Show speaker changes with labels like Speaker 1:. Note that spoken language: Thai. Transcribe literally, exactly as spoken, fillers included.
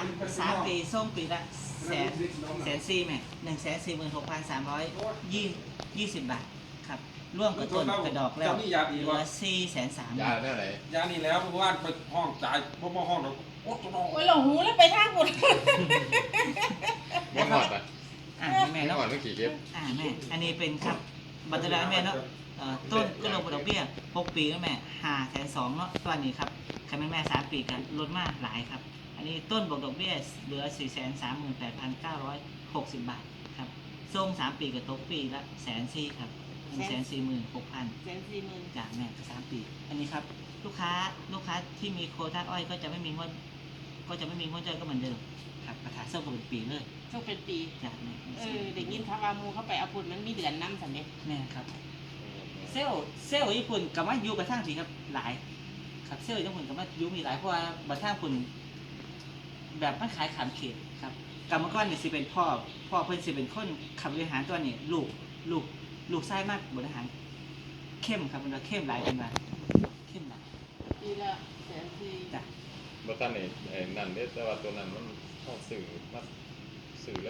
Speaker 1: สามปีส่งปีละแสนแสนสี่แม่หนึ่งแสนสี่หมื่นหกพันสามร้อยยี่ยี่สิบบาทครับร่วมกับต้นกระดอกแล้วเหลือสี่แสนสาม
Speaker 2: ยาแน่ไหน
Speaker 3: ยานี่แล้วเพราะว่าไปห้องจ่ายเพราะว่าห้องเราโอ้ตัวน้อง
Speaker 4: โอ้ยหลงหูแล้วไปทางหมด
Speaker 2: ไม่หอดปะ
Speaker 1: อ่าแม่
Speaker 2: ไม่
Speaker 1: เนาะ
Speaker 2: หอดเมื่อกี่เก็บ
Speaker 1: อ่าแม่อันนี้เป็นครับบัตรดาแม่เนาะต้นก็ลงดอกเบี้ยหกปีแล้วแม่ห้าแสนสองเนาะตอนนี้ครับใครเป็นแม่สามปีกันลดมากหลายครับอันนี้ต้นบวกดอกเบี้ยเหลือสี่แสนสามหมื่นแปดพันเก้าร้อยหกสิบบาทครับส่งสามปีกับตกปีละแสนสี่ครับหนึ่งแสนสี่หมื่นหกพัน
Speaker 4: แสนสี่หมื่น
Speaker 1: จากแม่สามปี อันนี้ครับลูกค้าลูกค้าที่มีโควต้าอ้อยก็จะไม่มีงวดก็จะไม่มีงวดจ้อยก็เหมือนเดิมครับประถาเสื้อผมเป็นปีเลย
Speaker 4: ช่วงเป็นปี
Speaker 1: จากแม่
Speaker 4: เออเด็กยินเขาว่ามูเข้าไปเอาปุ่นมันมีเดือนน้ำสันเด็จ
Speaker 1: แม่ครับเซลลเซลล์ญี่ปุ่นกับว่ายูกระทั่งสิครับหลายครับเซลล์ญี่ปุ่นกับว่ายูมีหลายเพราะว่าบัตรท่าคุณแบบมันขายขามเขตครับกรรมกรเนี่ยสิเป็นพ่อพ่อเพิ่นสิเป็นคนขับบริหารตัวนี้ลูกลูกลูกไส้มากบริหารเข้มครับมันว่าเข้มหลายเป็นว่าเข้มหลาย
Speaker 4: ปีละแสนสี่
Speaker 1: จ้ะ
Speaker 2: บัตันนี่ไอ้นั่นเนี่ยแต่ว่าตัวนั้นมันเข้าสื่อมา